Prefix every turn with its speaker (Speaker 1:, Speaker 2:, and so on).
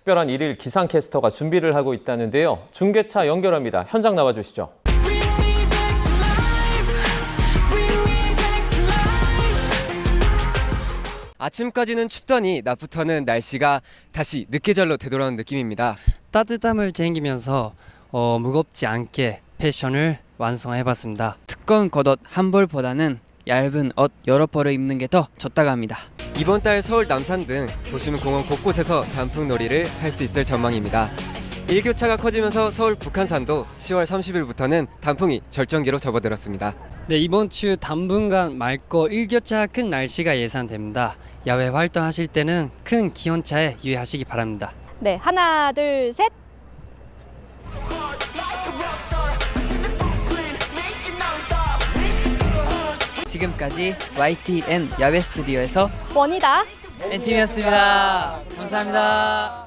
Speaker 1: 특별한 일일 기상캐스터가 준비를 하고 있다는데요. 중계차 연결합니다. 현장 나와주시죠.
Speaker 2: 아침까지는 춥더니 낮부터는 날씨가 다시 늦계절로 되돌아온 느낌입니다.
Speaker 3: 따뜻함을 챙기면서 무겁지 않게 패션을 완성해봤습니다.
Speaker 4: 두꺼운 겉옷 한 벌보다는 얇은 옷 여러 벌을 입는 게 더 좋다고 합니다.
Speaker 2: 이번 달 서울 남산 등 도심 공원 곳곳에서 단풍놀이를 할 수 있을 전망입니다. 일교차가 커지면서 서울 북한산도 10월 30일부터는 단풍이 절정기로 접어들었습니다.
Speaker 3: 네, 이번 주 당분간 맑고 일교차가 큰 날씨가 예상됩니다. 야외 활동하실 때는 큰 기온차에 유의하시기 바랍니다.
Speaker 5: 네, 하나, 둘, 셋.
Speaker 4: 지금까지 YTN 야외 스튜디오에서
Speaker 5: 원이다.
Speaker 4: N팀이었습니다. 감사합니다.